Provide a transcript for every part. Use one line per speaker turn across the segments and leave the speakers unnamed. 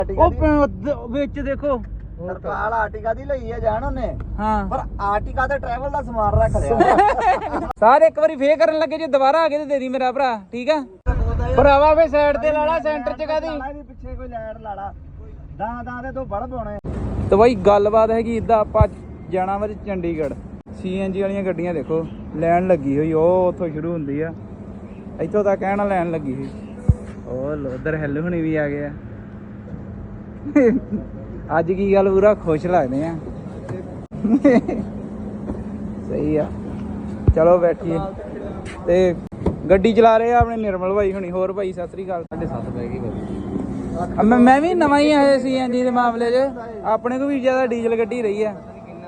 ਉਹ ਵਿੱਚ ਦੇਖੋ
ਤਰਪਾਲ ਆਰਟਿਕਾ ਦੀ ਲਈ ਹੈ ਜਾਣ ਉਹਨੇ
ਹਾਂ
ਪਰ ਆਰਟਿਕਾ ਤੇ ਟਰੈਵਲ ਦਾ ਸਮਾਨ ਰੱਖ ਲਿਆ
ਸਾਰੇ ਇੱਕ ਵਾਰੀ ਫੇਰ ਕਰਨ ਲੱਗੇ ਜੇ ਦੁਬਾਰਾ ਆ ਗਏ ਤੇ ਦੇ ਦੀ ਮੇਰਾ ਭਰਾ ਠੀਕ ਆ ਭਰਾਵਾ ਵੇ ਸਾਈਡ ਤੇ ਲਾਲਾ ਸੈਂਟਰ ਚ ਕਾਦੀ
ਪਿੱਛੇ ਕੋਈ ਲਾਈਟ ਲਾੜਾ ਦਾਂ ਦੇ ਤੋਂ ਬੜ ਪਾਉਣੇ
ਤੇ ਬਾਈ ਗੱਲਬਾਤ ਹੈਗੀ ਇਦਾਂ ਆਪਾਂ ਜਾਣਾ ਵਾ ਚੰਡੀਗੜ੍ਹ CNG ਵਾਲੀਆਂ ਗੱਡੀਆਂ ਦੇਖੋ ਲੈਣ ਲੱਗੀ ਹੋਈ ਉਹ ਉੱਥੋਂ ਸ਼ੁਰੂ ਹੁੰਦੀ ਆ ਇੱਥੋਂ ਤੱਕ ਕਹਿਣਾ ਲੈਣ ਲੱਗੀ ਹੋਈ ਉਹ ਉਧਰ ਹੈਲ ਹੁਣੀ ਵੀ ਆ ਗਏ ਆ ਅੱਜ ਕੀ ਗੱਲ ਪੂਰਾ ਖੁਸ਼ ਲੱਗਦੇ ਆ ਸਹੀ ਆ ਚਲੋ ਬੈਠੀਏ ਤੇ ਗੱਡੀ ਚਲਾ ਰਹੇ ਆ ਆਪਣੇ ਨਿਰਮਲ ਭਾਈ ਹੁਣੀ ਹੋਰ ਭਾਈ ਸਤਿ ਸ੍ਰੀ ਅਕਾਲ 7:30 ਪੈ ਗਈ ਮੈਂ ਵੀ ਨਵਾਂ ਹੀ ਆਇਆ CNG ਦੇ ਮਾਮਲੇ 'ਚ ਆਪਣੇ ਕੋਲ ਵੀ ਜ਼ਿਆਦਾ ਡੀਜ਼ਲ ਗੱਡੀ ਰਹੀ ਆ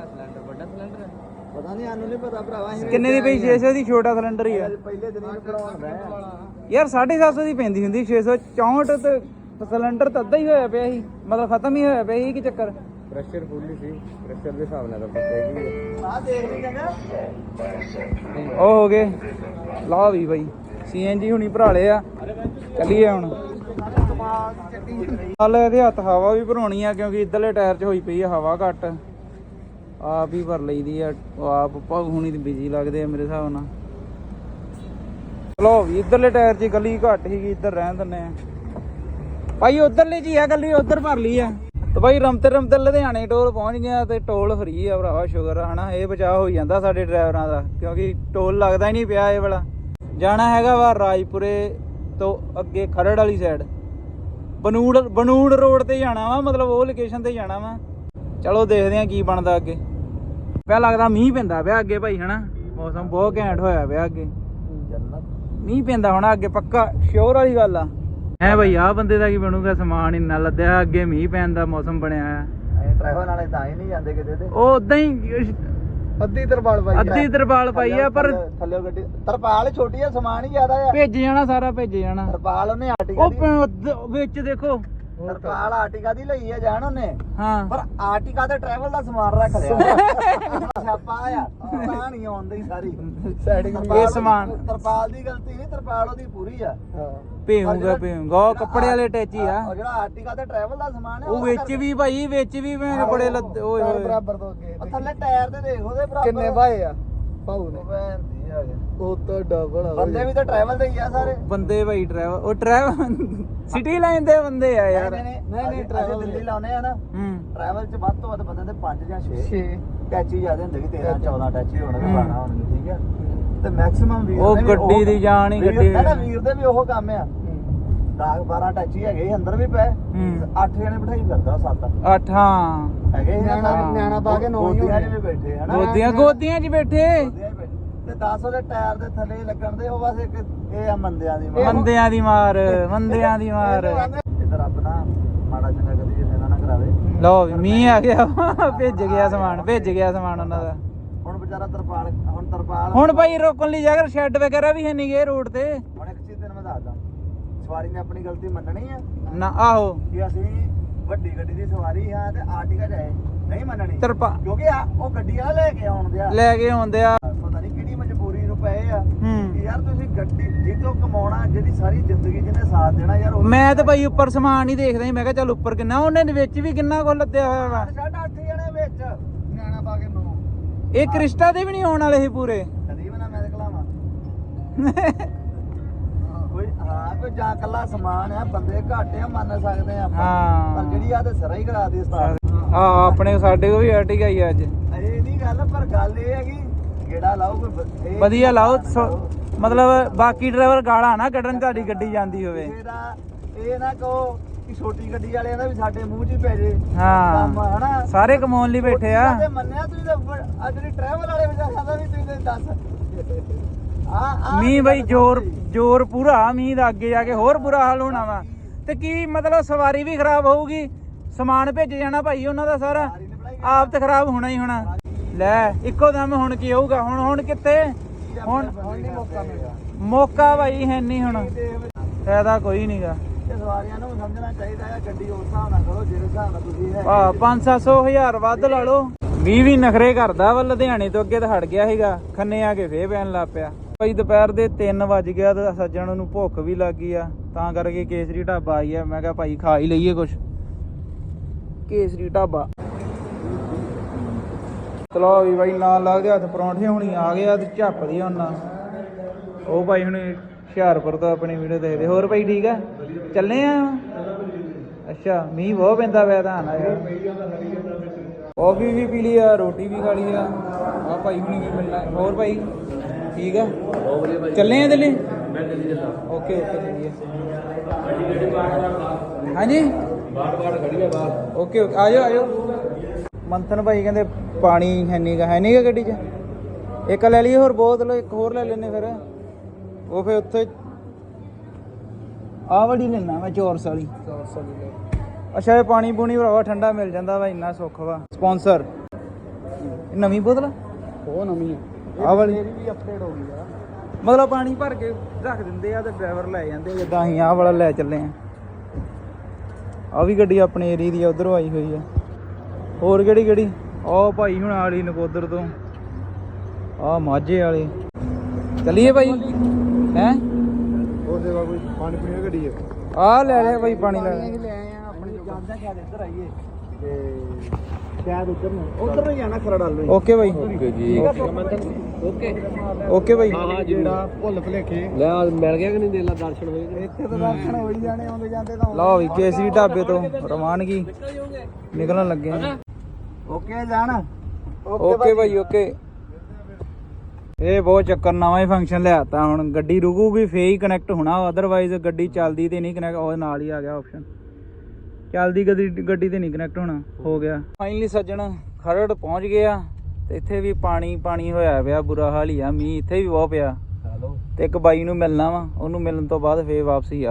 ਪਤਾ ਨਹੀਂ ਸਾਨੂੰ ਨਹੀਂ ਪਤਾ ਭਰਾਵਾ
ਕਿੰਨੇ ਦੀ ਪਈ 600 ਦੀ ਛੋਟਾ ਸਿਲੰਡਰ ਹੀ ਆ
ਪਹਿਲੇ ਦਿਨ ਹੀ ਭਰਾਉਣ ਰਹੇ
ਯਾਰ 750 ਦੀ ਪੈਂਦੀ ਹੁੰਦੀ 664 ਤੇ ਸਿਲੰਡਰ ਤਾਂ ਅੱਧਾ ਹੀ ਹੋਇਆ ਪਿਆ ਸੀ ਮਤਲਬ ਖਤਮ ਹੀ ਹੋਇਆ ਪਿਆ ਸੀ ਕੀ ਚੱਕਰ
ਪ੍ਰੈਸ਼ਰ ਫੁੱਲ ਹੀ ਸੀ ਪ੍ਰੈਸ਼ਰ ਦੇ ਹਿਸਾਬ ਨਾਲ ਤਾਂ ਪਤਾ ਆ ਦੇਖ ਲਈ ਜਗਾ
ਉਹ ਹੋ ਗਏ ਲਾ ਵੀ ਬਾਈ CNG ਹੁਣੀ ਭਰਾਲੇ ਆ ਚੱਲੀਏ ਹੁਣ ਹਾਲੇ ਇਹਦੇ ਹੱਥ ਹਵਾ ਵੀ ਭਰਾਉਣੀ ਆ ਕਿਉਂਕਿ ਇੱਧਰਲੇ ਟਾਇਰ 'ਚ ਹੋਈ ਪਈ ਆ ਹਵਾ ਘੱਟ ਆਪ ਹੀ ਭਰ ਲਈਦੀ ਆ ਆਪ ਭਾਗ ਹੁਣੀ ਤੇ ਬਿਜੀ ਲੱਗਦੇ ਆ ਮੇਰੇ ਹਿਸਾਬ ਨਾਲ ਚਲੋ ਵੀ ਇੱਧਰਲੇ ਟਾਇਰ 'ਚ ਗਲੀ ਘੱਟ ਸੀਗੀ ਇੱਧਰ ਰਹਿਣ ਦਿੰਦੇ ਆ ਭਾਈ ਉਧਰਲੇ ਜੀ ਆ ਗੱਲੀ ਉਧਰ ਭਰ ਲਈ ਆ ਤੇ ਭਾਈ ਰਮਤੇ ਲੁਧਿਆਣੇ ਟੋਲ ਪਹੁੰਚ ਗਿਆ ਤੇ ਟੋਲ ਫਰੀ ਆ ਭਰਾਵਾ ਸ਼ੁਕਰ ਆ ਹਨਾ ਇਹ ਬਚਾਅ ਹੋ ਜਾਂਦਾ ਸਾਡੇ ਡਰਾਈਵਰਾਂ ਦਾ ਕਿਉਂਕਿ ਟੋਲ ਲੱਗਦਾ ਹੀ ਨਹੀਂ ਪਿਆ ਇਹ ਵਾਲਾ ਜਾਣਾ ਹੈਗਾ ਵਾ ਰਾਜਪੁਰੇ ਤੋਂ ਅੱਗੇ ਖਰੜ ਵਾਲੀ ਸਾਈਡ ਬਨੂੜ ਰੋਡ ਤੇ ਜਾਣਾ ਵਾ ਮਤਲਬ ਉਹ ਲੋਕੇਸ਼ਨ ਤੇ ਜਾਣਾ ਵਾ ਚਲੋ ਦੇਖਦੇ ਆ ਕੀ ਬਣਦਾ ਅੱਗੇ ਪਿਆ ਲੱਗਦਾ ਮੀਂਹ ਪੈਂਦਾ ਪਿਆ ਅੱਗੇ ਭਾਈ ਹਨਾ ਮੌਸਮ ਬਹੁਤ ਘੈਂਟ ਹੋਇਆ ਪਿਆ ਅੱਗੇ ਮੀਂਹ ਪੈਂਦਾ ਹੋਣਾ ਅੱਗੇ ਪੱਕਾ ਸ਼ੋਰ ਵਾਲੀ ਗੱਲ ਆ ਹੈ ਭਾਈ ਆਹ ਬੰਦੇ ਦਾ ਕੀ ਬਣੂਗਾ ਸਮਾਨ ਇੰਨਾ ਲੱਦਿਆ ਅੱਗੇ ਮੀਂਹ ਪੈਣ ਦਾ ਮੌਸਮ ਬਣਿਆ ਆ
ਟਰੈਵਲ ਵਾਲੇ ਤਾਂ ਹੀ ਨਹੀਂ ਜਾਂਦੇ ਕਿਤੇ ਤੇ
ਉਹ ਉਦਾਂ ਹੀ ਅੱਧੀ ਤਰਪਾਲ ਪਾਈ ਆ ਪਰ
ਥੱਲੇ ਗੱਡੀ ਤਰਪਾਲ ਛੋਟੀ ਆ ਸਮਾਨ ਹੀ ਜ਼ਿਆਦਾ ਆ
ਭੇਜ ਜਾਣਾ ਸਾਰਾ ਭੇਜ ਜਾਣਾ
ਤਰਪਾਲ ਉਹਨੇ ਆਰਟਿਕਾ
ਉਹ ਵਿੱਚ ਦੇਖੋ
ਤਰਪਾਲ ਆਰਟਿਕਾ ਦੀ ਲਈ ਆ ਜਾਣ ਉਹਨੇ
ਹਾਂ
ਪਰ ਆਰਟਿਕਾ ਤੇ ਟਰੈਵਲ ਦਾ ਸਮਾਨ ਰੱਖ ਲਿਆ ਛਾਪਾ ਆ ਤਾਂ ਨਹੀਂ ਆਉਂਦੀ ਸਾਰੀ ਸੈਟਿੰਗ
ਇਹ ਸਮਾਨ
ਤਰਪਾਲ ਦੀ ਗਲਤੀ ਨਹੀਂ ਤਰਪਾਲ ਉਹਦੀ ਪੂਰੀ ਆ
ਭੇਊਗਾ ਉਹ ਕੱਪੜੇ ਵਾਲੇ ਟੈਚੀ ਆ
ਉਹ ਜਿਹੜਾ ਆਰਟਿਕਾ ਤੇ ਟਰੈਵਲ ਦਾ ਸਮਾਨ ਆ
ਉਹ ਵਿੱਚ ਵੀ ਭਾਈ ਵਿੱਚ ਵੀ ਮੈਂ ਬੜੇ ਲੱਦੇ ਓਏ ਹੋਏ
ਬਰਾਬਰ ਤੋਂ ਅੱਗੇ ਥੱਲੇ ਟਾਇਰ ਤੇ ਦੇਖ ਉਹਦੇ ਬਰਾਬਰ ਕਿੰਨੇ ਭਾਏ ਆ ਭਾਊ ਨੇ ਉਹ ਤਾਂ ਡਬਲ ਬੰਦੇ ਵੀ ਤਾਂ ਟਰੈਵਲ ਦੇ ਹੀ ਆ ਸਾਰੇ
ਬੰਦੇ ਭਾਈ ਡਰਾਈਵਰ ਉਹ ਡਰਾਈਵਰ ਸਿਟੀ ਲਾਈਨ ਦੇ ਬੰਦੇ ਆ ਯਾਰ
ਨਹੀਂ ਟਰੈਵਲ ਦਿੱਲੀ ਲਾਉਨੇ ਆ ਨਾ ਟਰੈਵਲ ਚ ਵੱਧ ਤੋਂ ਵੱਧ ਬੰਦੇ ਦੇ 5 ਜਾਂ 6 ਟੈਚੀ ਜ਼ਿਆਦਾ ਹੁੰਦੇ ਕਿ 13 14 ਟੈਚੀ ਹੋਣਗੇ 12 ਹੋਣਗੇ ਠੀਕ ਆ ਤੇ ਮੈਕਸਿਮਮ ਵੀਰ
ਉਹ ਗੱਡੀ ਦੀ ਜਾਣ ਹੀ ਗੱਡੀ
ਨਾ ਵੀਰ ਦੇ ਵੀ ਉਹ ਕੰਮ ਆ 10 12 ਟੈਚੀ ਹੈਗੇ ਅੰਦਰ ਵੀ ਪਏ 8 ਜਣੇ ਬਿਠਾਈ ਕਰਦਾ 7
8 ਹਾਂ
ਹੈਗੇ ਨਿਆਣਾ ਪਾ ਕੇ 9 ਹੀ ਵੀ ਬੈਠੇ ਹਨਾ
ਗੋਦੀਆਂ 'ਚ ਬੈਠੇ
ਤੇ 10 ਉਹਦੇ ਟਾਇਰ ਦੇ ਥੱਲੇ ਲੱਗਣ ਦੇ ਉਹ ਬਸ ਇੱਕ ਇਹ ਆ ਮੰਦਿਆਂ ਦੀ
ਮਾਰ
ਇੱਧਰ ਰੱਬ ਨਾ ਮਾੜਾ ਚੰਗਾ ਕਦੀ ਕਿਸੇ ਨਾਲ ਨਾ ਕਰਾਵੇ
ਲਓ ਵੀ ਮੀਂਹ ਆ ਗਿਆ ਭੇਜ ਗਿਆ ਸਮਾਨ ਉਹਨਾਂ ਦਾ
ਹੁਣ ਵਿਚਾਰਾ ਤਰਪਾਲ
ਹੁਣ ਭਾਈ ਰੋਕਣ ਲਈ ਜਗ੍ਹਾ ਸ਼ੈੱਡ ਵਗੈਰਾ ਵੀ ਹੈ ਨਹੀਂ ਗੇ ਰੋਡ ਤੇ
ਹੁਣ ਇੱਕ ਚੀਜ਼ ਤੈਨੂੰ ਮੈਂ ਦੱਸਦਾ ਸਵਾਰੀ ਨੇ ਆਪਣੀ ਗਲਤੀ ਮੰਨਣੀ ਆ
ਨਾ ਆਹੋ
ਕਿ ਅਸੀਂ ਵੱਡੀ ਗੱਡੀ ਦੀ ਸਵਾਰੀ ਆ ਤੇ ਆਰਟਿਕਾ ਜਾਏ ਨਹੀਂ ਮੰਨਣੀ ਕਿਉਂਕਿ ਉਹ ਗੱਡੀ ਆ ਲੈ ਕੇ ਆਉਂਦੇ ਆ ਪਤਾ ਨਹੀਂ ਕਿਹੜੀ ਮਜਬੂਰੀ ਨੂੰ ਪਏ ਆ ਕਿ ਯਾਰ ਤੁਸੀਂ ਗੱਡੀ ਜਿੱਦੋਂ ਕਮਾਉਣਾ ਜਿਹਦੀ ਸਾਰੀ ਜ਼ਿੰਦਗੀ ਜਿਹਨੇ ਸਾਥ ਦੇਣਾ ਯਾਰ
ਮੈਂ ਤਾਂ ਭਾਈ ਉੱਪਰ ਸਮਾਨ ਹੀ ਦੇਖਦਾ ਸੀ ਮੈਂ ਕਿਹਾ ਚੱਲ ਉੱਪਰ ਕਿੰਨਾ ਉਹਨੇ ਵਿੱਚ ਵੀ ਕਿੰਨਾ ਕੁ ਲੱਦਿਆ ਹੋਇਆ ਵਾ
8 ਜਣੇ ਵਿੱਚ ਨਿਆਣਾ ਪਾ ਕੇ 9
ਇਹ ਕ੍ਰਿਸਟਾ ਦੇ ਵੀ ਨਹੀਂ ਆਉਣ ਵਾਲੇ ਸੀ ਪੂਰੇ
ਕਦੀ ਬਣਾ ਮੈਂ ਖਲਾਵਾਂ ਕੋਈ ਜਾਂ ਕੱਲਾ ਸਮਾਨ ਆ ਬੰਦੇ ਘੱਟ ਆ ਮੰਨ ਸਕਦੇ ਆ ਆਪਾਂ ਪਰ ਜਿਹੜੀ ਆ ਤੇ ਸਰਾ ਹੀ ਕਰਾ ਦੇ ਉਸਤਾਦ
ਆਪਣੇ ਸਾਡੇ ਕੋ ਵੀ ਆਰਟਿਕਾ ਹੀ ਅੱਜ
ਇਹ ਨਹੀਂ ਗੱਲ ਪਰ ਗੱਲ ਇਹ ਹੈਗੀ ਗੇੜਾ ਲਾਓ ਕੋਈ
ਵਧੀਆ ਲਾਓ ਮਤਲਬ ਬਾਕੀ ਡਰਾਈਵਰ ਗਾਲਾਂ ਨਾ ਕੱਢਣ ਤੁਹਾਡੀ ਗੱਡੀ ਜਾਂਦੀ ਹੋਵੇ
ਇਹ ਨਾ ਕਹੋ ਕਿ ਛੋਟੀ ਗੱਡੀ ਵਾਲਿਆਂ ਦਾ ਵੀ ਸਾਡੇ ਮੂੰਹ 'ਚ ਹੀ ਪੈ ਜੇ
ਕੰਮ
ਹਨਾ
ਸਾਰੇ ਕਮਾਉਣ ਲਈ ਬੈਠੇ ਆ
ਮੰਨਿਆ ਤੁਸੀਂ ਤਾਂ ਅੱਜ ਦੀ ਟਰੈਵਲ ਵਾਲੇ ਵਿਚਾਰਿਆਂ ਦਾ ਵੀ ਤੁਸੀਂ ਦੱਸ
ਮੀਂਹ ਬਈ ਜ਼ੋਰ ਪੂਰਾ ਮੀਂਹ ਦਾ ਅੱਗੇ ਜਾ ਕੇ ਹੋਰ ਬੁਰਾ ਹਾਲ ਹੋਣਾ ਵਾ ਤੇ ਕੀ ਮਤਲਬ ਸਵਾਰੀ ਵੀ ਖਰਾਬ ਹੋਊਗੀ ਸਮਾਨ ਭੇਜ ਜਾਣਾ ਭਾਈ ਉਹਨਾਂ ਦਾ ਸਾਰਾ ਆਪ ਤੇ ਖਰਾਬ ਹੋਣਾ ਹੀ ਹੋਣਾ ਲੈ ਇੱਕੋ ਦਮ ਹੁਣ ਕੀ ਹੋਊਗਾ ਹੁਣ ਕਿੱਥੇ ਹੁਣ ਮੌਕਾ ਭਾਈ ਹੈ ਨਹੀਂ ਹੁਣ ਫਾਇਦਾ ਕੋਈ ਨਹੀਂਗਾ
ਸਵਾਰੀਆਂ ਨੂੰ ਸਮਝਣਾ ਚਾਹੀਦਾ ਹੈ ਗੱਡੀ ਉਸ ਹਿਸਾਬ ਨਾਲ ਕਰੋ ਜਿਹੜੇ ਹਿਸਾਬ ਨਾਲ ਤੁਸੀਂ ਹੈ
500 1000 ਵੱਧ ਲਾ ਲਓ ਵੀ ਨਖਰੇ ਕਰਦਾ ਵਾ ਲੁਧਿਆਣੇ ਤੋਂ ਅੱਗੇ ਤਾਂ ਹਟ ਗਿਆ ਸੀਗਾ ਖੰਨੇ ਆ ਕੇ ਫੇਰ ਪੈਣ ਲੱਗ ਪਿਆ ਭਾਈ ਦੁਪਹਿਰ ਦੇ 3 ਵਜ ਗਿਆ ਤੇ ਸੱਜਣ ਨੂੰ ਭੁੱਖ ਵੀ ਲੱਗ ਗਈ ਆ ਤਾਂ ਕਰਕੇ ਕੇਸਰੀ ਢਾਬਾ ਆਈ ਆ ਮੈਂ ਕਿਹਾ ਭਾਈ ਖਾ ਹੀ ਲਈਏ ਕੁਛ ਕੇਸਰੀ ਢਾਬਾ। ਚਲੋ ਵੀ ਬਾਈ ਨਾਲ ਲੱਗਦੇ ਹੱਥ ਪਰੌਂਠੇ ਹੁਣੀ ਆ ਗਿਆ ਤੇ ਝੱਪਦੀ ਹੁਣ ਉਹ ਭਾਈ ਹੁਣ ਹੁਸ਼ਿਆਰਪੁਰ ਤੋਂ ਆਪਣੀ ਵੀਡੀਓ ਦੇਖਦੇ। ਹੋਰ ਭਾਈ ਠੀਕ ਆ, ਚੱਲੇ ਆ? ਅੱਛਾ, ਮੀਂਹ ਬਹੁਤ ਪੈਂਦਾ ਪਿਆ ਤਾਂ ਨਾ ਯਾਰ। ਕੌਫੀ ਵੀ ਪੀ ਲਈ ਆ, ਰੋਟੀ ਵੀ ਖਾ ਲਈ ਆ। ਆ ਭਾਈ ਹੁਣੀ ਵੀ ਮਿਲਣਾ। ਹੋਰ ਭਾਈ ਠੀਕ ਆ, ਚੱਲੇ ਆ ਦਿੱਲੀ? ਓਕੇ ਓਕੇ ਚੱਲੀਏ। ਹਾਂਜੀ ਓਕੇ ਓਕੇ ਆ ਜਾਓ ਆ ਜਾਓ। ਮੰਥਨ ਭਾਈ ਕਹਿੰਦੇ ਪਾਣੀ ਹੈ ਨੀ ਗਾ ਗੱਡੀ 'ਚ। ਇੱਕ ਲੈ ਲਈਏ ਹੋਰ ਬੋਤਲ, ਇੱਕ ਹੋਰ ਲੈ ਲੈਨੇ ਫਿਰ। ਉਹ ਫਿਰ ਉੱਥੇ ਆਹ ਵਾਲੀ ਲੈਣਾ ਮੈਂ, ਚੌਰਸ ਵਾਲੀ। ਅੱਛਾ, ਇਹ ਪਾਣੀ ਪੂਣੀ ਭਰਾਵਾ ਠੰਡਾ ਮਿਲ ਜਾਂਦਾ ਵਾ, ਇੰਨਾ ਸੁੱਖ ਵਾ। ਸਪਾਂਸਰ ਨਵੀਂ ਬੋਤਲ,
ਉਹ ਨਵੀਂ
ਆਹ ਵਾਲੀ
ਵੀ ਅਪਡੇਟ ਹੋ ਗਈ ਆ।
ਮਤਲਬ ਪਾਣੀ ਭਰ ਕੇ ਰੱਖ ਦਿੰਦੇ ਆ ਤੇ ਡਰਾਈਵਰ ਲੈ ਜਾਂਦੇ, ਜਿੱਦਾਂ ਅਸੀਂ ਆਹ ਵਾਲਾ ਲੈ ਚੱਲੇ ਆ। ਆਹ ਵੀ ਗੱਡੀ ਆਪਣੇ ਏਰੀਏ ਦੀ ਆ, ਉਧਰੋਂ ਆਈ ਹੋਈ ਆ। ਹੋਰ ਕਿਹੜੀ ਕਿਹੜੀ? ਆਹ ਭਾਈ ਹੁਣ ਆਲੀ ਨਕੋਦਰ ਤੋਂ, ਆਹ ਮਾਝੇ ਵਾਲੇ। ਚੱਲੀਏ ਭਾਈ ਹੈਂ?
ਹੋਰ ਸੇਵਾ ਕੋਈ ਪਾਣੀ ਪੀਣ ਦੀ ਗੱਡੀ ਹੈ?
ਆਹ ਲੈ ਲਿਆ ਭਾਈ ਪਾਣੀ ਲੈ
ਲੈ ਆਏ ਆ ਆਪਣੀ ਜਾਂਦਾ, ਸ਼ਾਇਦ ਇੱਧਰ ਆਈਏ ਤੇ ਸ਼ਾਇਦ ਉੱਧਰ ਨੂੰ ਜਾਣਾ, ਖਰੜ ਵੱਲ ਨੂੰ।
ਓਕੇ ਭਾਈ
ਓਕੇ ਜੀ, ਓਕੇ
ਓਕੇ ਭਾਈ।
ਹਾਂ ਜਿਹੜਾ ਭੁੱਲ ਭੁਲੇਖੇ ਲੈ ਮਿਲ ਗਿਆ ਕਿ ਨਹੀਂ? ਦੇਲਾ ਦਰਸ਼ਨ ਹੋਏ ਇੱਥੇ ਤਾਂ ਦਰਸ਼ਨ ਹੋ ਹੀ ਜਾਣੇ, ਆਉਂਦੇ ਜਾਂਦੇ ਤਾਂ।
ਲਓ ਵੀ ਕੇਸਰੀ ਢਾਬੇ ਤੋਂ ਰਵਾਨਗੀ ਨਿਕਲਣ ਲੱਗੇ ਆ।
ਓਕੇ ਜਾਣ।
ਓਕੇ ਭਾਈ ਓਕੇ। ਇਹ ਬਹੁਤ ਚੱਕਰ, ਨਵਾਂ ਹੀ ਫੰਕਸ਼ਨ ਲਿਆਤਾ। ਹੁਣ ਗੱਡੀ ਰੁਕੂਗੀ ਫੇਰ ਹੀ ਕਨੈਕਟ ਹੋਣਾ, ਅਦਰਵਾਈਜ਼ ਗੱਡੀ ਚੱਲਦੀ ਤੇ ਨਹੀਂ ਕਨੈਕਟ। ਉਹ ਨਾਲ ਹੀ ਆ ਗਿਆ ਆਪਸ਼ਨ, ਚੱਲਦੀ ਗੱਡੀ ਤੇ ਨਹੀਂ ਕਨੈਕਟ ਹੋਣਾ। ਹੋ ਗਿਆ ਫਾਈਨਲੀ ਸੱਜਣ, ਖਰੜ ਪਹੁੰਚ ਗਏ ਆ। ਤੇ ਇੱਥੇ ਵੀ ਪਾਣੀ ਪਾਣੀ ਹੋਇਆ ਪਿਆ, ਬੁਰਾ ਹਾਲ ਹੀ ਆ। ਮੀਂਹ ਇੱਥੇ ਵੀ ਬਹੁਤ ਪਿਆ। ਤੇ ਇੱਕ ਬਾਈ ਨੂੰ ਮਿਲਣਾ ਵਾ, ਉਹਨੂੰ ਮਿਲਣ ਤੋਂ ਬਾਅਦ ਫੇਰ ਵਾਪਸੀ ਆ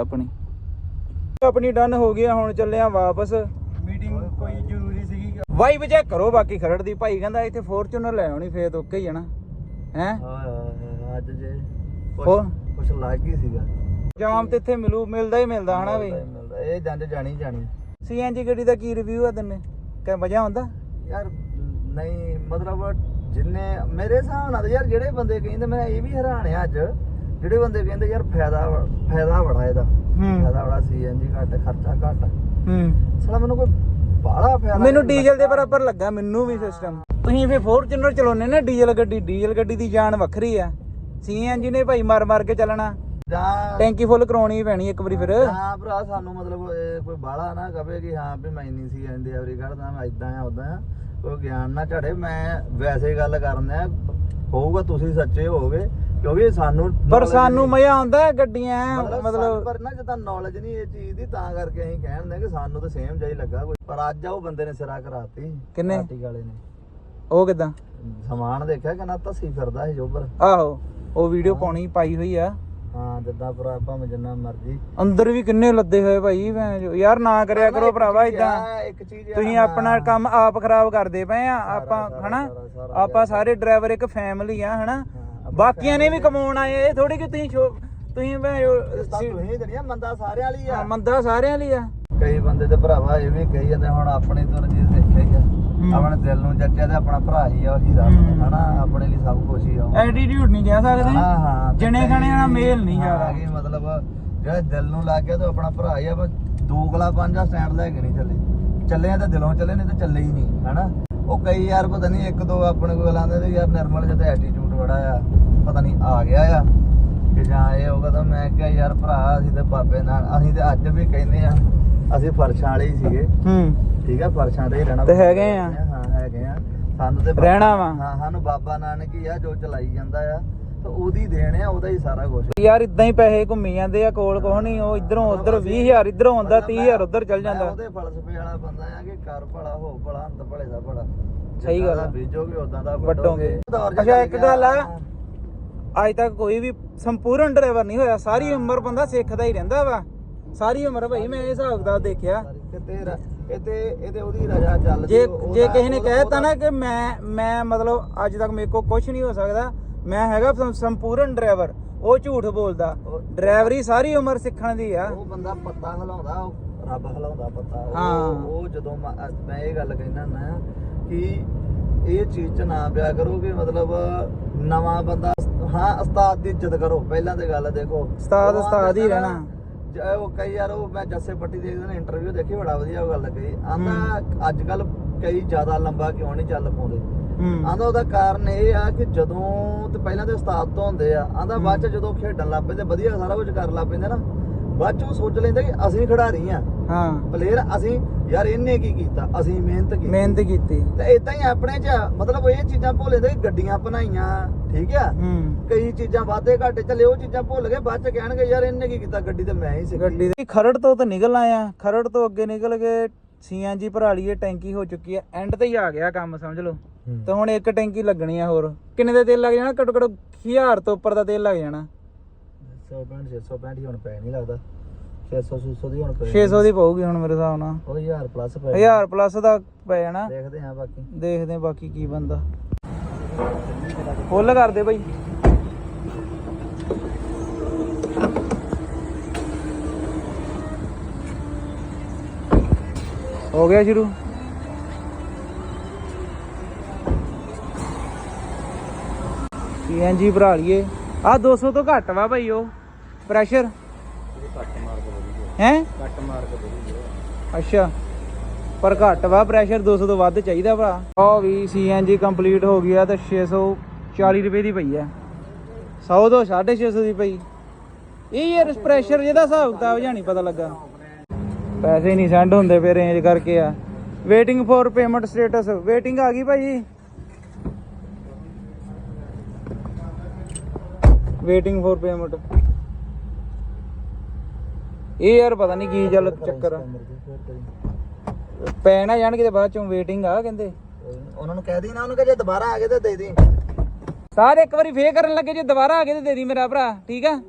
ਆਪਣੀ ਡਨ ਹੋ ਗਿਆ। ਹੁਣ ਚੱਲੇ ਆ ਵਾਪਸ।
ਮੀਟਿੰਗ ਕੋਈ ਜ਼ਰੂਰੀ ਸੀਗੀ?
ਵਾਈਬ ਚੈੱਕ ਕਰੋ ਬਾਕੀ ਖਰੜ ਦੀ। ਭਾਈ ਕਹਿੰਦਾ ਇੱਥੇ ਫੋਰਚੂਨਰ ਲੈ ਆਉਣੀ, ਫੇਰ ਓਕੇ ਹੀ ਜਾਣਾ ਹੈ।
ਅੱਜ ਜੇ
ਹੋਰ
ਕੁਛ ਲੱਗ ਹੀ ਸੀਗਾ।
ਜਾਮ ਤੇ ਇੱਥੇ ਮਿਲਦਾ ਹੀ ਮਿਲਦਾ ਹਨਾ ਬਈ।
ਇਹ ਜੰਜ ਜਾਣੀ
ਸੀਐਨਜੀ ਗੱਡੀ ਦਾ ਕੀ ਰਿਵਿਊ ਆ ਤੈਨੂੰ? ਕਿ ਮਜ਼ਾ ਆਉਂਦਾ
ਯਾਰ? ਨਹੀਂ ਮਤਲਬ ਜਿੰਨੇ ਮੇਰੇ ਹਿਸਾਬ ਨਾਲ ਯਾਰ, ਜਿਹੜੇ ਬੰਦੇ ਕਹਿੰਦੇ, ਮੈਂ ਇਹ ਵੀ ਹੈਰਾਨ ਆ ਅੱਜ, ਜਿਹੜੇ ਬੰਦੇ ਕਹਿੰਦੇ ਯਾਰ ਫਾਇਦਾ ਬੜਾ ਇਹਦਾ, ਫਾਇਦਾ ਬੜਾ, ਸੀਐਨਜੀ ਘੱਟ, ਖਰਚਾ ਘੱਟ। ਸਾਲਾ ਮੈਨੂੰ ਕੋਈ ਬਾਹਲਾ ਫਾਇਦਾ,
ਮੈਨੂੰ ਡੀਜ਼ਲ ਦੇ ਬਰਾਬਰ ਲੱਗਾ ਮੈਨੂੰ ਵੀ ਸਿਸਟਮ। ਤੁਸੀਂ ਫੇਰ ਫੋਰਚੂਨਰ ਚਲਾਉਨੇ ਨਾ, ਡੀਜ਼ਲ ਗੱਡੀ ਦੀ ਜਾਨ ਵੱਖਰੀ ਆ। ਸੀਐਨਜੀ ਨੇ ਭਾਈ ਮਾਰ ਕੇ ਚੱਲਣਾ,
ਜਾਂ
ਟੈਂਕੀ ਫੁੱਲ ਕਰਾਉਣੀ ਪੈਣੀ ਇੱਕ ਵਾਰੀ ਫਿਰ।
ਹਾਂ ਭਰਾ, ਸਾਨੂੰ ਮਤਲਬ ਕੋਈ ਬਾਹਲਾ ਨਾ ਕਵੇ ਕਿ ਹਾਂ ਵੀ ਮੈਂ ਨਹੀਂ ਸੀ ਐਂਦੇ ਐਵਰੀ ਕੱਢਦਾ, ਮੈਂ ਇਦਾਂ ਆ ਉਦਾਂ ਆ, ਕੋਈ ਗਿਆਨ ਨਾ ਝੜੇ। ਮੈਂ ਵੈਸੇ ਗੱਲ ਕਰਨਾ ਹੋਊਗਾ, ਤੁਸੀਂ ਸੱਚੇ ਹੋਗੇ, ਕਿਉਂਕਿ ਸਾਨੂੰ
ਮਜ਼ਾ ਆਉਂਦਾ ਗੱਡੀਆਂ ਮਤਲਬ।
ਪਰ ਨਾ ਜਦੋਂ ਨੌਲੇਜ ਨਹੀਂ ਇਹ ਚੀਜ਼ ਦੀ, ਤਾਂ ਕਰਕੇ ਅਸੀਂ ਕਹਿੰਦੇ ਕਿ ਸਾਨੂੰ ਤਾਂ ਸੇਮ ਜਿਹਾ ਹੀ ਲੱਗਾ ਕੋਈ। ਪਰ ਅੱਜ ਉਹ ਬੰਦੇ ਨੇ ਸਿਰਾ ਕਰਾਤੀ।
ਕਿੰਨੇ?
ਪਾਰਟੀ ਵਾਲੇ ਨੇ।
ਉਹ ਕਿਦਾਂ?
ਸਮਾਨ ਦੇਖਿਆ ਕਿ ਨਾ ਧੱਸੀ ਫਿਰਦਾ ਸੀ ਜੋਬਰ।
ਆਹੋ, ਉਹ ਵੀਡੀਓ ਪਾਈ ਹੋਈ ਆ।
ਹਾਂ, ਜਿੱਦਾਂ ਭਰਾ ਭਾਵੇਂ ਜਿੰਨਾ ਮਰਜੀ
ਅੰਦਰ ਵੀ ਕਿੰਨੇ ਲੱਦੇ ਹੋਏ ਭਾਈ। ਯਾਰ ਨਾ ਕਰਿਆ ਕਰੋ ਭਰਾਵਾ ਇਦਾਂ।
ਇੱਕ ਚੀਜ਼
ਤੁਸੀਂ ਆਪਣਾ ਕੰਮ ਆਪ ਖਰਾਬ ਕਰਦੇ ਪਏ ਆ। ਆਪਾਂ ਹਨਾ, ਆਪਾਂ ਸਾਰੇ ਡਰਾਈਵਰ ਇੱਕ ਫੈਮਿਲੀ ਆ ਹਨਾ। ਬਾਕੀਆਂ ਨੇ ਵੀ ਕਮਾਉਣ ਆਏ। ਇਹ ਥੋੜੀ ਕਿ ਤੁਸੀਂ
ਜਿਹੜੀਆਂ ਮੰਦਾ ਸਾਰਿਆਂ ਲਈ ਆ।
ਮੰਦਾ ਸਾਰਿਆਂ ਲਈ ਆ।
ਕਈ ਬੰਦੇ ਤੇ ਭਰਾਵਾ ਇਹ ਵੀ ਕਹੀ ਜਾਂਦੇ, ਹੁਣ ਆਪਣੀ ਤੋਂ ਰਜੀਤ ਦੇਖਿਆ ਹੀ ਆ, ਆਪਣੇ ਦਿਲ ਨੂੰ ਜੱਜਿਆ ਤੇ ਆਪਣਾ ਭਰਾ ਹੀ ਆ, ਉਹੀ ਰੱਬ ਹਨਾ, ਆਪਣੇ ਲਈ ਸਭ ਕੁਝ ਹੀ ਆ।
ਐਟੀਟਿਊਡ ਨਹੀਂ ਕਹਿ ਸਕਦੇ।
ਹਾਂ ਹਾਂ,
ਜਣੇ ਖਾਣੇ ਨਾਲ ਮੇਲ ਨਹੀਂ ਯਾਰ।
ਮਤਲਬ ਜਿਹੜਾ ਦਿਲ ਨੂੰ ਲੱਗ ਗਿਆ ਤੇ ਆਪਣਾ ਭਰਾ ਹੀ ਆ। ਬਸ ਦੋਗਲਾ ਪੰਜਾ ਸਟੈਂਡ ਲੈ ਕੇ ਨਹੀਂ ਚੱਲੇ ਆ ਤਾਂ ਦਿਲੋਂ ਚੱਲੇ, ਨਹੀਂ ਤਾਂ ਚੱਲੇ ਹੀ ਨਹੀਂ ਹਨਾ। ਉਹ ਕਈ ਯਾਰ ਪਤਾ ਨਹੀਂ ਇੱਕ ਦੋ ਆਪਣੇ ਕੋਲ ਆਉਂਦੇ ਤੇ ਯਾਰ ਨਿਰਮਲ ਜਿਹਾ ਐਟੀਟਿਊਡ ਬੜਾ ਆ, ਪਤਾ ਨਹੀਂ ਆ ਗਿਆ ਆ ਕਿ ਜਾਂ ਇਹ ਹੋਗਾ। ਤਾਂ ਮੈਂ ਕਿਹਾ ਯਾਰ ਭਰਾ, ਅਸੀਂ ਤੇ ਬਾਬੇ ਨਾਲ, ਅਸੀਂ ਤੇ ਅੱਜ ਵੀ ਕਹਿੰਦੇ ਆ, ਅਸੀਂ ਫਰਸ਼ਾਂ ਵਾਲੇ ਹੀ ਸੀਗੇ। ਠੀਕ ਆ, ਫਰਸ਼ਾਂ ਤੇ ਹੀ ਰਹਿਣਾ
ਤੇ ਹੈਗੇ ਆ।
ਹਾਂ ਹੈਗੇ ਆ, ਸਾਨੂੰ ਤੇ
ਰਹਿਣਾ ਵਾ।
ਹਾਂ, ਸਾਨੂੰ ਬਾਬਾ ਨਾਨਕ ਹੀ ਆ ਜੋ ਚਲਾਈ ਜਾਂਦਾ ਆ, ਤੇ ਉਹਦੀ ਦੇਣ ਆ, ਉਹਦਾ ਹੀ ਸਾਰਾ ਕੁਝ
ਯਾਰ। ਇਦਾਂ ਹੀ ਪੈਸੇ ਘੁੰਮੀ ਜਾਂਦੇ ਆ, ਕੋਲ ਕੁਛ ਨਹੀਂ। ਉਹ ਇਧਰੋਂ ਉਧਰ 20,000 ਇਧਰੋਂ ਆਉਂਦਾ, 30,000 ਉਧਰ ਚੱਲ ਜਾਂਦਾ।
ਉਹਦੇ ਫਲਸਫੇ ਵਾਲਾ ਬੰਦਾ ਆ ਕਿ ਕਰ ਭਲਾ ਹੋ ਭਲਾ, ਅੰਤ ਭਲੇ ਦਾ ਭਲਾ।
ਸਹੀ ਗੱਲ ਆ।
ਬੀਜੋਗੇ ਉਦਾਂ ਦਾ
ਵੱਡੋਗੇ। ਅੱਛਾ, ਇੱਕ ਗੱਲ ਆ, ਅੱਜ ਤੱਕ ਕੋਈ ਵੀ ਸੰਪੂਰਨ ਡਰਾਈਵਰ ਨਹੀਂ ਹੋਇਆ। ਸਾਰੀ ਉਮਰ ਬੰਦਾ ਸਿੱਖਦਾ ਹੀ ਰਹਿੰਦਾ ਵਾ, ਸਾਰੀ ਉਮਰ ਭਾਈ। ਮੈਂ ਇਹ ਹਿਸਾਬ ਦਾ ਦੇਖਿਆ।
ਇਹਦੇ ਉਹਦੀ ਰਜਾ ਚੱਲਦੀ।
ਜੇ ਕਿਸੇ ਨੇ ਕਹਿਤਾ ਨਾ ਕਿ ਮੈਂ ਮਤਲਬ ਅੱਜ ਤੱਕ ਮੇਰੇ ਕੋਲ ਕੁਝ ਨਹੀਂ ਹੋ ਸਕਦਾ, ਮੈਂ ਹੈਗਾ ਸੰਪੂਰਨ ਡਰਾਈਵਰ, ਉਹ ਝੂਠ ਬੋਲਦਾ। ਡਰਾਈਵਰੀ ਸਾਰੀ ਉਮਰ ਸਿੱਖਣ ਦੀ ਆ।
ਉਹ ਬੰਦਾ ਪੱਤਾ ਹਿਲਾਉਂਦਾ, ਉਹ ਰੱਬ ਹਿਲਾਉਂਦਾ ਪੱਤਾ।
ਹਾਂ,
ਉਹ ਜਦੋਂ ਮੈਂ ਇਹ ਗੱਲ ਕਹਿਣਾ ਨਾ ਕਿ ਇਹ ਚੀਜ਼ 'ਚ ਨਾ ਪਿਆ ਕਰੋ ਕਿ ਮਤਲਬ ਨਵਾਂ ਬੰਦਾ। ਹਾਂ, ਉਸਤਾਦ ਦੀ ਇੱਜ਼ਤ ਕਰੋ ਪਹਿਲਾਂ ਤੇ ਗੱਲ। ਦੇਖੋ,
ਉਸਤਾਦ ਹੀ ਰਹਿਣਾ।
ਉਹ ਕਈ ਯਾਰ ਉਹ ਮੈਂ ਜੱਸੇ ਪੱਟੀ ਦੇਖਦੇ ਨੇ ਇੰਟਰਵਿਊ ਦੇਖੀ, ਬੜਾ ਵਧੀਆ ਗੱਲ ਕਹੀ। ਆਂਦਾ ਅੱਜ ਕੱਲ ਕਈ ਜ਼ਿਆਦਾ ਲੰਬਾ ਕਿਉਂ ਨਹੀਂ ਚੱਲ ਪਾਉਂਦੇ, ਆਂਦਾ ਉਹਦਾ ਕਾਰਨ ਇਹ ਆ ਕਿ ਜਦੋਂ ਤੇ ਪਹਿਲਾਂ ਤੇ ਉਸਤਾਦ ਤੋਂ ਹੁੰਦੇ ਆ, ਆਂਦਾ ਬਾਅਦ ਚ ਜਦੋਂ ਖੇਡਣ ਲੱਗ ਪੈਂਦੇ ਵਧੀਆ ਸਾਰਾ ਕੁਝ ਕਰਨ ਲੱਗ ਪੈਂਦੇ ਨਾ, ਬਾਅਦ ਚ ਉਹ ਸੋਚ ਲੈਂਦੇ ਕਿ ਅਸੀਂ ਖਿਡਾਰੀ ਆ, ਪਲੇਅਰ ਅਸੀਂ, ਯਾਰ ਇਹਨੇ ਕੀ ਕੀਤਾ, ਅਸੀਂ ਮਿਹਨਤ ਕੀਤੀ ਤੇ ਇਦਾਂ ਹੀ ਆਪਣੇ ਚ ਮਤਲਬ ਇਹ ਚੀਜ਼ਾਂ ਭੁੱਲ ਜਾਂਦੇ ਕਿ ਗੱਡੀਆਂ ਬਣਾਈਆਂ, ਠੀਕ ਆ, ਕਈ ਚੀਜ਼ਾਂ ਵਾਧੇ ਘਾਟੇ ਚੱਲੇ, ਉਹ ਚੀਜ਼ਾਂ ਭੁੱਲ ਗਏ, ਬਾਅਦ ਚ ਕਹਿਣਗੇ ਯਾਰ ਇਹਨੇ ਕੀ ਕੀਤਾ, ਗੱਡੀ ਤੇ ਮੈਂ ਹੀ ਸਿੱਖੀ।
ਗੱਡੀ ਦੇ ਖਰੜ ਤੋਂ ਤਾਂ ਨਿਕਲ ਆਇਆ, ਖਰੜ ਤੋਂ ਅੱਗੇ ਨਿਕਲ ਕੇ CNG ਭਰਾ ਲਈਏ, ਟੈਂਕੀ ਹੋ ਚੁੱਕੀ ਆ, ਐਂਡ ਤੇ ਹੀ ਆ ਗਿਆ ਕੰਮ ਸਮਝ ਲਓ। ਤੇ ਹੁਣ ਇੱਕ ਟੈਂਕੀ ਲੱਗਣੀ ਆ ਹੋਰ, ਕਿੰਨੇ ਦਾ ਤੇਲ ਲੱਗ ਜਾਣਾ? ਘੱਟੋ ਘੱਟ 1000 ਤੋਂ ਉੱਪਰ ਦਾ ਤੇਲ ਲੱਗ ਜਾਣਾ।
665 ਹੀ ਹੁਣ ਪੈ ਨਹੀਂ ਲੱਗਦਾ, 600 ਦੀ ਹੁਣ
600 ਦੀ ਪਊਗੀ ਹੁਣ ਮੇਰੇ ਹਿਸਾਬ ਨਾਲ,
ਉਹ 1000 ਪਲੱਸ ਪੈ
1000 ਪਲੱਸ ਦਾ ਪੈ ਜਾਣਾ।
ਦੇਖਦੇ ਆ ਬਾਕੀ
ਕੀ ਬੰਦਾ। ਫੁੱਲ ਕਰ ਦੇ ਬਾਈ। ਹੋ ਗਿਆ ਸ਼ੁਰੂ। CNG ਭਰਾ ਲਈਏ। ਆ 200 ਤੋਂ ਘੱਟ ਵਾ ਭਾਈ ਉਹ ਪ੍ਰੈਸ਼ਰ ਹੈ,
ਕੱਟ ਮਾਰ ਕੇ
ਅੱਛਾ, ਪਰ ਘੱਟ ਵਾ ਪ੍ਰੈਸ਼ਰ, 200 ਤੋਂ ਵੱਧ ਚਾਹੀਦਾ ਭਰਾ। ਉਹ ਵੀ CNG ਕੰਪਲੀਟ ਹੋ ਗਿਆ ਤੇ 640 ਰੁਪਏ ਦੀ ਪਈ ਆ, 100 ਤੋਂ 650 ਦੀ ਪਈ। ਇਹ ਯਾਰ ਪ੍ਰੈਸ਼ਰ ਜਿਹਦਾ ਹਿਸਾਬ ਕਿਤਾਬ ਜਾਂ ਨਹੀਂ ਪਤਾ ਲੱਗਾ, ਪੈਸੇ ਨਹੀਂ ਸੈਂਡ ਹੁੰਦੇ ਪਏ ਰੇਂਜ ਕਰਕੇ ਆ। Waiting for payment status, waiting ਆ ਗਈ ਭਾਈ, ਵੇਟਿੰਗ ਫॉर ਪੇਮੈਂਟ। ਇਹ ਯਾਰ ਪਤਾ ਨਹੀਂ ਕੀ ਚੱਲ ਚੱਕਰ ਆ, ਪੈ ਨਾ ਜਾਣ ਕਿਤੇ ਬਾਅਦ ਚੋਂ, ਵੇਟਿੰਗ ਆ ਕਹਿੰਦੇ।
ਉਹਨਾਂ ਨੂੰ ਕਹਿ ਦੀ ਨਾ, ਉਹਨੂੰ ਕਹੇ ਜੇ ਦੁਬਾਰਾ ਆ ਗਏ ਤਾਂ ਦੇ ਦੇ।
ਸਾਰੇ ਇੱਕ ਵਾਰੀ ਫੇਰ ਕਰਨ ਲੱਗੇ, ਜੇ ਦੁਬਾਰਾ ਆ ਗਏ ਤੇ ਦੇ ਦੀ ਮੇਰਾ ਭਰਾ, ਠੀਕ ਆ।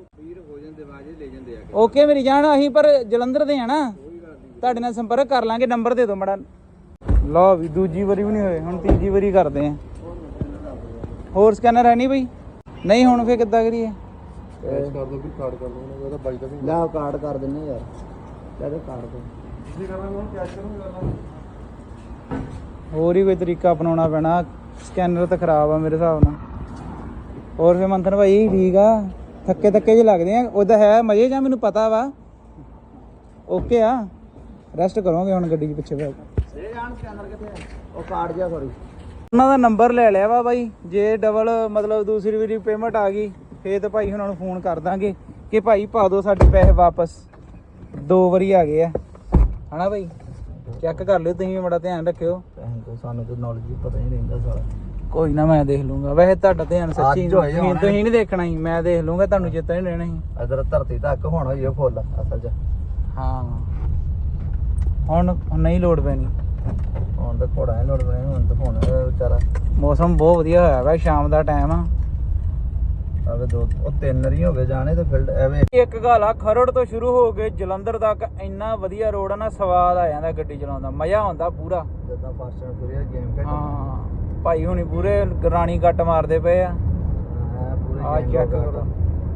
ਓਕੇ ਮੇਰੀ ਜਾਨ, ਅਸੀਂ ਪਰ ਜਲੰਧਰ ਦੇ ਆ ਨਾ, ਤੁਹਾਡੇ ਨਾਲ ਸੰਪਰਕ ਕਰ ਲਾਂਗੇ, ਨੰਬਰ ਦੇ ਦਿਓ ਮੜਾ। ਲਓ ਵੀ ਦੂਜੀ ਵਾਰੀ ਵੀ ਨਹੀਂ ਹੋਏ, ਹੁਣ ਤੀਜੀ ਵਾਰੀ ਕਰਦੇ ਆ। ਹੋਰ ਸਕੈਨਰ ਹੈ ਨਹੀਂ ਬਈ? ਨਹੀਂ ਹੁਣ ਫੇਰ ਕਿੱਦਾਂ ਕਰੀਏ?
ਕੈਸ਼ ਕਰ ਦੋ, ਫਿਰ ਕਾਰਡ ਕਰ ਦੋ, ਉਹਦਾ ਬਾਈ ਦਾ ਵੀ ਲੈ ਕਾਰਡ ਕਰ ਦਿੰਨੇ ਯਾਰ, ਲੈ ਕਾਰਡ ਦੋ ਤੁਸੀਂ ਕਰਨਾ, ਹੁਣ ਕੈਸ਼ ਕਰੂੰਗਾ।
ਹੋਰ ਹੀ ਕੋਈ ਤਰੀਕਾ ਅਪਣਾਉਣਾ ਪੈਣਾ, ਸਕੈਨਰ ਤਾਂ ਖਰਾਬ ਆ ਮੇਰੇ ਹਿਸਾਬ ਨਾਲ। ਹੋਰ ਫੇਰ ਮੰਥਨ ਭਾਈ ਠੀਕ ਆ? ਥੱਕੇ ਜਿਹੇ ਲੱਗਦੇ ਆ, ਉਹਦਾ ਹੈ ਮਜ਼ੇ ਜਾਂ? ਮੈਨੂੰ ਪਤਾ ਵਾ, ਓਕੇ ਆ, ਰੈਸਟ ਕਰੋਗੇ ਹੁਣ ਗੱਡੀ 'ਚ ਪਿੱਛੇ ਬੈਠ।
ਸਕੈਨਰ ਕਿੱਥੇ ਆ? ਉਹ ਕਾਰਡ ਜਿਹਾ ਸੌਰੀ,
ਉਹਨਾਂ ਦਾ ਨੰਬਰ ਲੈ ਲਿਆ ਵਾ ਬਾਈ, ਜੇ ਡਬਲ ਮਤਲਬ ਦੂਸਰੀ ਵਾਰੀ ਪੇਮੈਂਟ ਆ ਗਈ ਫੇਰ ਤਾਂ ਭਾਈ ਉਹਨਾਂ ਨੂੰ ਫੋਨ ਕਰ ਦਾਂਗੇ ਕਿ ਭਾਈ ਪਾ ਦਿਓ ਸਾਡੇ ਪੈਸੇ ਵਾਪਸ। 2 ਵਾਰੀ ਆ ਗਏ ਆ ਹਨਾ ਭਾਈ, ਚੈੱਕ ਕਰ ਲਿਓ ਤੁਸੀਂ, ਬੜਾ ਧਿਆਨ ਰੱਖਿਓ।
ਸਾਨੂੰ ਤਾਂ ਨੌਲੇਜ ਹੀ ਪਤਾ ਹੀ ਨਹੀਂ ਰਹਿੰਦਾ ਸਾਰਾ।
ਕੋਈ ਨਾ ਮੈਂ ਦੇਖ ਲੂੰਗਾ, ਵੈਸੇ ਤੁਹਾਡਾ ਧਿਆਨ ਸੱਚੀ ਤੁਸੀਂ ਨਹੀਂ ਦੇਖਣਾ ਸੀ, ਮੈਂ ਦੇਖ ਲੂੰਗਾ, ਤੁਹਾਨੂੰ ਚੇਤਾ ਨਹੀਂ ਰਹਿਣਾ ਸੀ।
ਇਧਰ ਧਰਤੀ ਤੱਕ ਹੁਣ ਹੋਈ ਫੁੱਲ ਅਸਲ 'ਚ।
ਹਾਂ ਹੁਣ ਨਹੀਂ ਲੋੜ ਪੈਣੀ,
ਹੁਣ ਤਾਂ ਘੋੜਾ ਨਹੀਂ ਲੋੜ ਪੈਣੀ, ਹੁਣ ਤਾਂ ਹੁਣ ਵਿਚਾਰਾ
ਮੌਸਮ ਬਹੁਤ ਵਧੀਆ ਹੋਇਆ ਵਾ, ਸ਼ਾਮ ਦਾ ਟਾਈਮ ਆ।
ਆਵੇ 3 ਰੀ ਹੋ ਗਏ ਜਾਣੇ ਤੇ ਫੀਲਡ ਐਵੇਂ।
ਇੱਕ ਗੱਲ ਆ, ਖਰੜ ਤੋਂ ਸ਼ੁਰੂ ਹੋ ਕੇ ਜਲੰਧਰ ਤੱਕ ਇੰਨਾ ਵਧੀਆ ਰੋਡ ਆ ਨਾ, ਸਵਾਦ ਆ ਜਾਂਦਾ ਗੱਡੀ ਚਲਾਉਣ ਦਾ, ਮਜ਼ਾ ਆਉਂਦਾ ਪੂਰਾ।
ਜਿੱਦਾਂ ਫਾਸਟ ਐਂਡ ਫਿਊਰੀਅਸ ਗੇਮ ਖੇਡਦੇ।
ਹਾਂ ਭਾਈ ਹੁਣੀ ਪੂਰੇ ਰਾਣੀ ਕੱਟ ਮਾਰਦੇ ਪਏ ਆ। ਆ ਚੈੱਕ ਕਰੋ,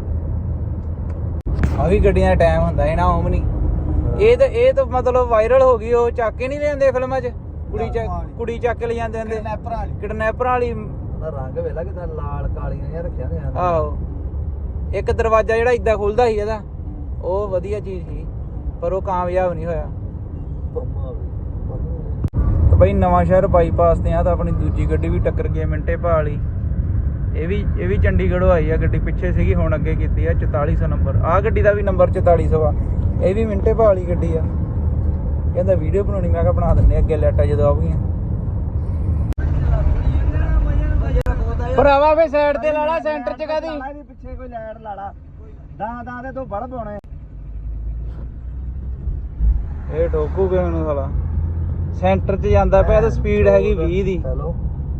ਆ ਵੀ ਗੱਡੀਆਂ ਦਾ ਟਾਈਮ ਹੁੰਦਾ ਇਹਨਾਂ ਓਮਨੀ। ਇਹ ਤਾਂ ਮਤਲਬ ਵਾਇਰਲ ਹੋ ਗਈ, ਉਹ ਚੱਕ ਕੇ ਨਹੀਂ ਲੈਂਦੇ ਫਿਲਮਾਂ 'ਚ, ਕੁੜੀ ਚੱਕ ਕੇ ਲੈ ਜਾਂਦੇ ਹੁੰਦੇ, ਕਿਡਨੈਪਰ ਵਾਲੀ।
ਰੰਗ ਵੇਲਾ ਕਿਦਾਂ ਲਾਲ ਕਾਲੀਆਂ ਜਿਹਾ ਰੱਖਿਆ ਨੇ।
ਆਹੋ, ਇੱਕ ਦਰਵਾਜ਼ਾ ਜਿਹੜਾ ਇਦਾਂ ਖੁੱਲਦਾ ਸੀ ਇਹਦਾ, ਉਹ ਵਧੀਆ ਚੀਜ਼ ਸੀ, ਪਰ ਉਹ ਕਾਮਯਾਬ ਨਹੀਂ ਹੋਇਆ। ਤੇ ਬਈ ਨਵਾਂ ਸ਼ਹਿਰ ਬਾਈਪਾਸ ਤੇ ਆ ਤਾਂ ਆਪਣੀ ਦੂਜੀ ਗੱਡੀ ਵੀ ਟੱਕਰ ਗਈ ਮਿੰਟੇ ਭਾ ਲਈ। ਇਹ ਵੀ ਚੰਡੀਗੜ੍ਹੋਂ ਆਈ ਆ ਗੱਡੀ, ਪਿੱਛੇ ਸੀਗੀ ਹੁਣ ਅੱਗੇ ਕੀਤੀ ਆ 4400 ਨੰਬਰ। ਆਹ ਗੱਡੀ ਦਾ ਵੀ ਨੰਬਰ 4400 ਆ, ਇਹ ਵੀ ਮਿੰਟੇ ਭਾ ਵਾਲੀ ਗੱਡੀ ਆ। ਕਹਿੰਦਾ ਵੀਡੀਓ ਬਣਾਉਣੀ, ਮੈਂ ਕਿਹਾ ਬਣਾ ਦਿੰਦੇ ਅੱਗੇ ਲੈਟਾਂ ਜਦੋਂ ਆਉਗੀਆਂ। ਭਰਾਵਾ ਵੇ ਸਾਈਡ ਤੇ ਲਾਲਾ, ਸੈਂਟਰ 'ਚ ਕਾਦੀ
ਪਿੱਛੇ ਕੋਈ ਲਾਈਟ ਲਾਲਾ, ਦਾਂ ਦੇ ਤੋਂ ਬਲਬ ਹੋਣੇ।
ਇਹ ਠੋਕੂਗੇ ਮੈਨੂੰ ਸਾਲਾ, ਸੈਂਟਰ 'ਚ ਜਾਂਦਾ ਪਿਆ ਤੇ ਸਪੀਡ ਹੈਗੀ 20 ਦੀ।
ਹੈਲੋ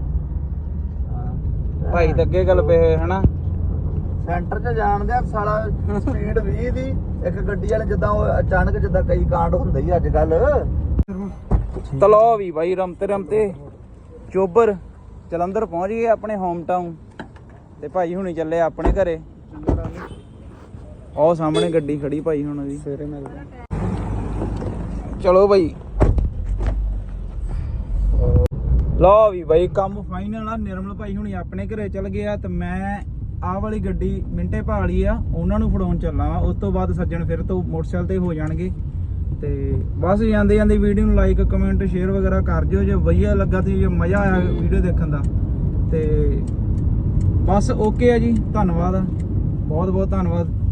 ਭਾਈ ਤਾਂ ਅੱਗੇ ਗੱਲ ਪਏ ਹਨਾ,
ਸੈਂਟਰ 'ਚ ਜਾਣਦੇ ਆ ਸਾਲਾ, ਸਪੀਡ 20 ਦੀ। ਇੱਕ ਗੱਡੀ ਵਾਲੇ ਜਿੱਦਾਂ ਉਹ ਅਚਾਨਕ ਜਿੱਦਾਂ ਕਈ ਕਾਂਡ ਹੁੰਦੇ ਹੀ ਅੱਜ ਕੱਲ।
ਤਲੋ ਵੀ ਬਾਈ ਰਮਤੇ ਚੋਬਰ ਜਲੰਧਰ ਪਹੁੰਚ ਗਏ ਆਪਣੇ ਹੋਮ ਟਾਊਨ ਤੇ ਭਾਈ ਹੁਣੀ ਚੱਲੇ ਆਪਣੇ ਘਰੇ। ਉਹ ਸਾਹਮਣੇ ਗੱਡੀ ਖੜੀ ਭਾਈ ਹੁਣ ਦੀ, ਸਵੇਰੇ ਮਿਲਦੇ। ਚਲੋ ਭਾਈ, ਲਓ ਵੀ ਬਾਈ ਕੰਮ ਫਾਈਨਲ ਆ। ਨਿਰਮਲ ਭਾਈ ਹੁਣੀ ਆਪਣੇ ਘਰੇ ਚਲ ਗਿਆ ਤੇ ਮੈਂ ਆਹ ਵਾਲੀ ਗੱਡੀ ਮਿੰਟੇ ਭਾਲੀ ਆ, ਉਹਨਾਂ ਨੂੰ ਫੜਾਉਣ ਚੱਲਾਂ ਵਾ। ਉਸ ਤੋਂ ਬਾਅਦ ਸੱਜਣ ਫਿਰ ਤੋਂ ਮੋਟਰਸਾਈਕਲ ਤੇ ਹੋ ਜਾਣਗੇ। ਤੇ ਬਸ ਜਾਂਦੇ ਜਾਂਦੇ ਵੀਡੀਓ ਨੂੰ ਲਾਈਕ ਕਮੈਂਟ ਸ਼ੇਅਰ ਵਗੈਰਾ ਕਰ ਦਿਓ ਜੇ ਵਧੀਆ ਲੱਗਾ ਤੇ ਜੇ ਮਜ਼ਾ ਆਇਆ ਵੀਡੀਓ ਦੇਖਣ ਦਾ। ਤੇ ਬਸ ਓਕੇ ਆ ਜੀ, ਧੰਨਵਾਦ, ਬਹੁਤ ਬਹੁਤ ਧੰਨਵਾਦ।